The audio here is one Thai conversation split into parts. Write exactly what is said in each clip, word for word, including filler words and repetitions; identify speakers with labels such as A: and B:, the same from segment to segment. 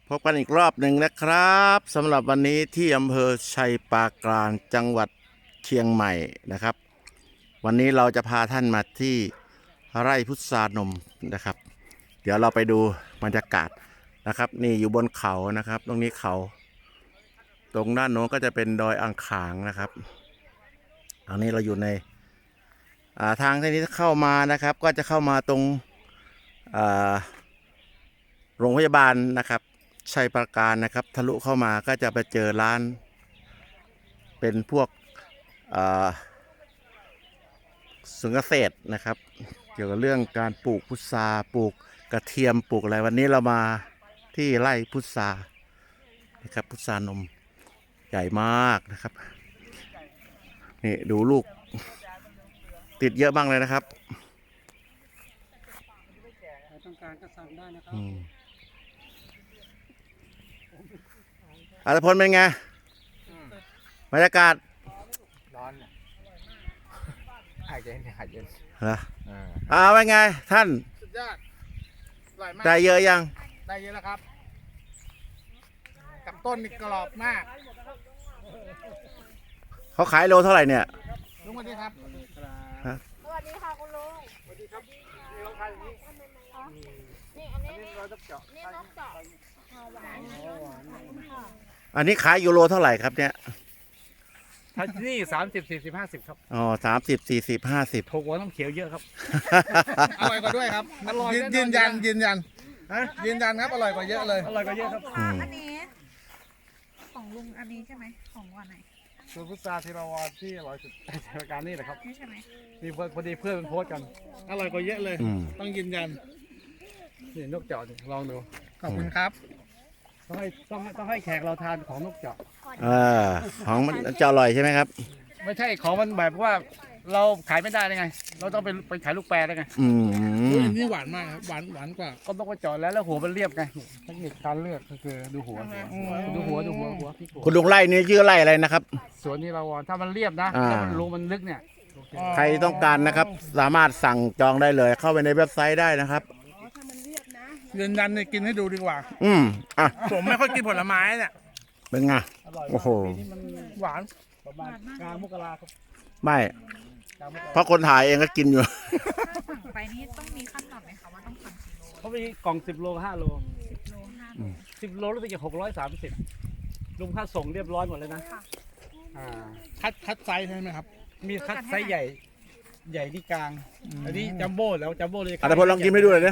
A: พบกันอีกรอบหนึ่งนะครับสำหรับวันนี้ที่อำเภอชัยปราการจังหวัดเชียงใหม่นะครับวันนี้เราจะพาท่านมาที่ไร่พุทรานมนะครับเดี๋ยวเราไปดูบรรยากาศนะครับนี่อยู่บนเขานะครับตรงนี้เขาตรงด้านโน้นก็จะเป็นดอยอ่างขางนะครับอันนี้เราอยู่ในทางที่นี้เข้ามานะครับก็จะเข้ามาตรงโรงพยาบาลนะครับชัยปราการนะครับทะลุเข้ามาก็จะไปเจอร้านเป็นพวกสวนเกษตรนะครับเกี่ยวกับเรื่องการปลูกพุทราปลูกกระเทียมปลูกอะไรวันนี้เรามาที่ไร่พุทรานะครับพุทรานมใหญ่มากนะครับนี่ดูลูกติดเยอะบ้างเลยนะครับ
B: ต้องการก็สั่งได้นะครับ
A: อัตพลเป็นไงบรรยากาศ
C: ร้อนหายใจหายเย็น
A: เหรออ่าเป็นไงท่าน
C: สุดยอดอร่อยมาก
A: ได้เยอะยัง
C: ได้เยอะแล้วครับกับต้นนี่กรอบมาก
A: เขาขายโลเท่าไหร่เนี่ย
C: ลุงสวัสดีครับ
D: สวัสดีค่ะคุณลุง
C: สวัสดีครับนี่เราขายอย่างนี้
D: นี่อันนี้
C: นี่เราต้องเจาะ
D: นี่ต้องเจาะหวาน
A: อันนี้ขายยูโรเท่าไหร่ครับเนี่ย
C: ถ้านี่สามสิบสี่สิบห้าสิบครับ
A: อ๋อสามสิบสี่สิบห้าสิบ
C: ถูกกว่าน้ำเขียวเยอะครับอร่อยกว่าด้วยครับอร่อยยืนยันยืนยันยืนยันครับอร่อยกว่าเยอะเลยอร่อยกว่าเยอะครับ
D: อันนี้ของลุงอันนี้ใช่ไหมของวันไหน
C: ส่วนพุทราที่เราวาที่อร่อยสุดในรายการนี้แหละครับ
D: นี่ใช่ไหม
C: นี่พอดีเพื่อนโพสกันอร่อยกว่าเยอะเลยต้องยืนยันนี่นกเจาะลองดูขอบคุณครับต้องให้ต้องต้องให้แขกเราทานของนกเจาะ
A: เออของมันจะอร่อยใช่ไหมครับ
C: ไม่ใช่ของมันแบบว่าเราขายไม่ได้ได้ไงเราต้องไปไปขายลูกแปรได้ไง
A: อืม
C: นี่หวานมากครับหวานหวานกว่าก็ต้องไปเจาะแล้วแล้วหัวมันเรียบไงเทคนิคการเลือกก็คือดูหัวดูหัวดูหัวหัว
A: คุณลุงไร่นี่ชื่อไร่อะไรนะครับ
C: สวนนี้เราถ้ามันเรียบนะถ้ามันรูมันลึกเนี่ย
A: ใครต้องการนะครับสามารถสั่งจองได้เลยเข้าไปในเว็บไซต์ได้นะครับ
C: ยืนยันเนี่ยกินให้ดูดีกว่า
A: อืมอ่ะ
C: ผมไม่ค่อยกินผลไม้เนี่ย
A: เป็นไงโอ้โห
C: หวานประมาณกลางมกราครับ
A: ไม่เพราะคนถ่ายเองก็กินอยู่
D: สั่งไปนี่ต้องมีขั้นตอนไหมคะว่าต้องสั่งกี่โล
C: เขามีกล่องสิบโลห้าโล
D: สิบโลห้าโล
C: สิบโลรู้สึกจะหกร้อยสามสิบลุงค่าส่งเรียบร้อยหมดเลยนะอ่าคัดคัดไซส์ใช่ไหมครับมีคัดไซส์ใหญ่ใหญ่ที่กลางอันนี้จัมโบ้แล้วจัมโบ้เลย
A: อัตพลลองกินให้ดูเลยนะ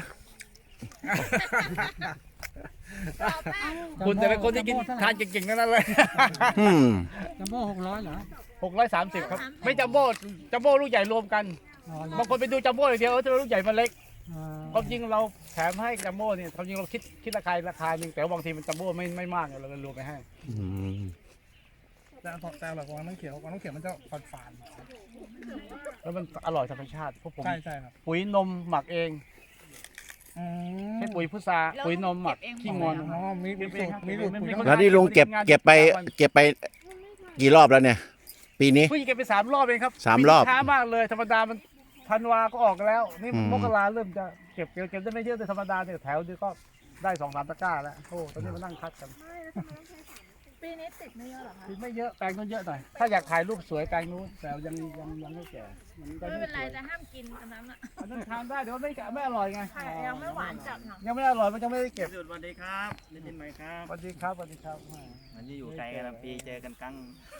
C: คุณแต่ละคนที่กินทานเก่งๆนั่นเลยจัมโบ้หกร้อยเหรอหกร้อยสามสิบครับไม่จัมโบ้จัมโบ้ลูกใหญ่รวมกันบางคนไปดูจัมโบ้อย่างเดียวเออจะลูกใหญ่มันเล็กความจริงเราแถมให้จัมโบ้เนี่ยความจริงเราคิดคิดราคาราคาหนึ่งแต่บางทีมันจัมโบ้ไม่ไม่มากเราเลยรวมไปให้แต่แต่หลักของน้ำเขียวของน้ำเขียวมันจะฝาดฝาดแล้วมันอร่อยธรรมชาติพวกผมใช่ใช่ครับปุ๋ยนมหมักเองใช้ปุ๋ยพุทราปุ๋ยนมหมักขี้งอนอ๋อมีมีสูตรมีสูตร
A: แล้วนี่ลุงเก็บเก็บไปเก็บไปกี่รอบแล้วเนี่ยปีนี้
C: พี่เก็บไปสามรอบเองครับ
A: สามรอบ
C: ช้ามากเลยธรรมดามันธันวาก็ออกแล้วนี่มกราเริ่มจะเก็บเก็บได้ไม่เยอะแต่ธรรมดาเนี่ยแถวนี้ก็ได้สองสามตะกร้าแล้วโอ้ตอนนี้มานั่งคัดกัน
D: ปีนี้ติดไม่เยอะหรอคะ
C: ติดไม่เยอะแปลงนู้นเยอะหน่อยถ้าอยากถ่ายรูปสวยแปลงนู้นแต่ยังยังยังไม่แก่
D: ไม่เป็นไรจะห้ามกินอันนั้นอ่ะ
C: อันนั้นทานได้เดี๋ยวไม่ไม่อร่อยไง
D: ยังไม่หวานจัด
C: ยังไม่อร่อยมันจะไม่ได้เก็บ
E: สวัสดีครับได้ยินไหมครับ
C: สวัสดีครับสวัสดีครับ
E: วันนี้อยู่ไกลกันปีเจอกันกั้ง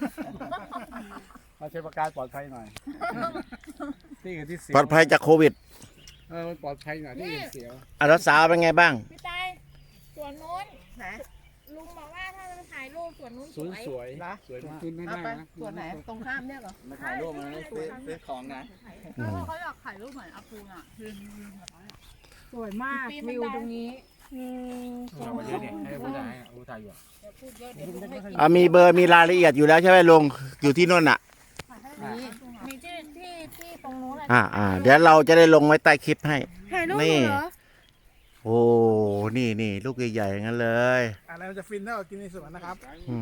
C: มาใช้ประกาศปลอดภัยหน่อยที่อื่นที่เสีย
A: ปลอดภัยจากโควิด
C: เออปลอดภัยหน่อยที่อื่นเสีย
A: อ่ะรักษาเป็นไงบ้าง
D: พี่ตายสวนนู้นนะลุงบอกว่าถ้าจะถ่ายรูปสวนนู้นสวย
C: สวยนะสวยมากขึ้นไม่ได้นะ
D: สวนไหนตรงข้ามเนี่ยเหรอ
E: มาถ่ายรูปมาซื้อซื้อของนะ
D: เขาอยากถ่ายรูปเหมือนอาคูอ่ะสวยมากวิวตรงนี้
A: อ่ามีเบอร์มีรายละเอียดอยู่แล้วใช่ไหมลุงอยู่ที่นู่นอ่ะ
D: มีที่ที่ที่ตรงนู้นเลย
A: อ่าอ่าเดี๋ยวเราจะได้ลงไว้ใต้คลิปให้
D: ถ่ายรูปเหรอ
A: โอ้นี่นี่ลูกใหญ่ๆงั้นเลย
C: อะไรมันจะฟินถ้าเรากินในสวนนะครับ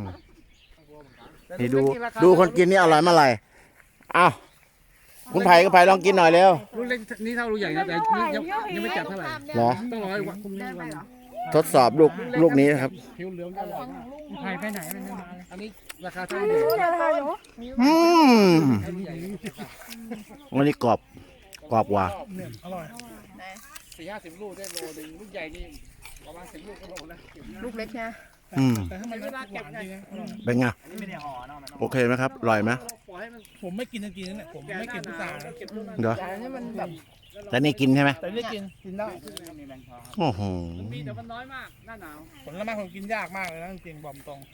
A: นี่ดูดูคนกินนี่อร่อยมาอะไรอ้าวคุณไผ่คุณไผ่ลองกินหน่อยเร็ว
C: ลูกเล็กนี่เท่าลูกใหญ่นะแต่นี่ยังยังไม่จับเท่าไหร่
A: เหรอ
C: ต้องรอให้วันพรุ่งนี้วัน
A: ทดสอบลูกลูกนี้นะครับ
C: ผิวเหลืองอร่อยมาก
B: ใครไปไหนมันไม่มาเลย
C: อันนี้ราคาเท่าไหร่
A: อืมวันนี้กรอบกรอบกว่า
C: เนี่ยอร่อยสี่ห้าสิบลูกได้โลหนึ่งลูกใหญ่นี่ประมาณสิบลูกก็โลแล้ว
D: ลูกเล็กนะ
A: อืม
C: แต่ถ้ามันไม่ได้หวานจริงนะอร่อย
A: เป็นไง
E: อันนี้ไม่ได้ห่อเนาะมัน
A: โอเคไหมครับอร่อยไหม
C: ปล่อยให้มันผมไม่กินจริงๆนะผมไม่กินพุทรานะ
A: เดี๋ยว
D: แต่นี่มันแบบ
A: แต่นี่กินใช่ไหม
C: แต่นี่กินกินได้
E: มีแมงทอ
A: โอ้โห
C: มีแต่มันน้อยมากหน้าหนาวผลไม้ผมกินยากมากเลยนะจริงๆบอกตรง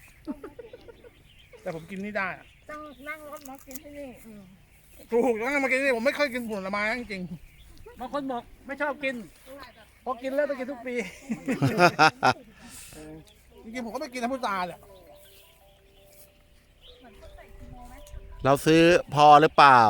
C: แต่ผมกินนี่ได้อะ
D: ต้องนั่งรถมากินที่นี่อืม
C: ถูกแล้วมากินนี่ผมไม่ค่อยกินผลไม้จริงๆบางคนบอกไม่ชอบกินพอกินแล้วต้องกินทุกปี จริงๆผมก็ไม่กินน้ำพุตราแหละ
A: เราซื้อพอหรือเปล่า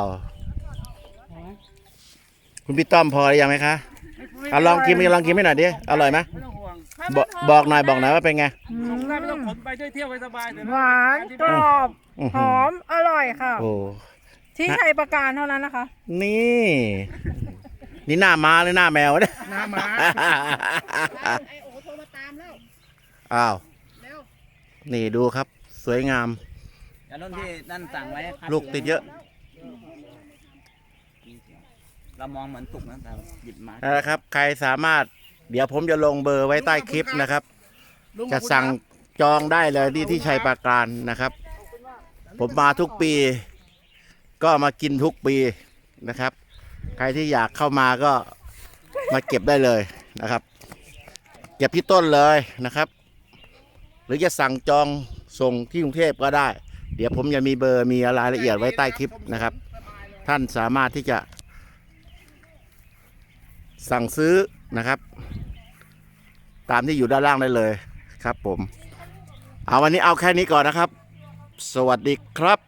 A: คุณพี่ต้อมพอหรือยังไหมคะเอาลองกินลองกินไม่หน่อยดิอร่อยไหม
C: ไม่ต้องห่วง
A: บอกบอกหน่อยบอกหน่อยว่าเป็นไง
C: ส่งได้ไม่ต้องขนไปเที่ยวไปสบายเลยนะ
D: หวานกรอบ
A: อื้อ
D: ห
A: หื
D: อมอร่อยค่ะ
A: โอ้
D: ที่ชัยประการเท่านั้นนะคะ
A: นี่ นี่หน้าม้าหรือหน้าแมวเนี่ย
C: น้ำม้า
D: ไอโอโทรมาตามแล้ว
A: อ้าว
D: เร็ว
A: นี่ดูครับ สวยงาม
E: อันนั้นที่นั่นสั่งไว้ครับ
A: ลูกติดเยอะ
E: เรามองเหมือนสุกนะแต่หยิบมา
A: นะครับ ใครสามารถ เดี๋ยวผมจะลงเบอร์ไว้ใต้คลิปนะครับ จะสั่งจองได้เลยที่ที่ชัยปราการนะครับ ผมมาทุกปี ก็มากินทุกปีนะครับ ใครที่อยากเข้ามาก็มาเก็บได้เลยนะครับ เก็บที่ต้นเลยนะครับ หรือจะสั่งจองส่งที่กรุงเทพก็ได้ เดี๋ยวผมจะมีเบอร์มีรายละเอียดไว้ใต้คลิปนะครับ ท่านสามารถที่จะสั่งซื้อนะครับ ตามที่อยู่ด้านล่างได้เลยครับผม เอาวันนี้เอาแค่นี้ก่อนนะครับ สวัสดีครับ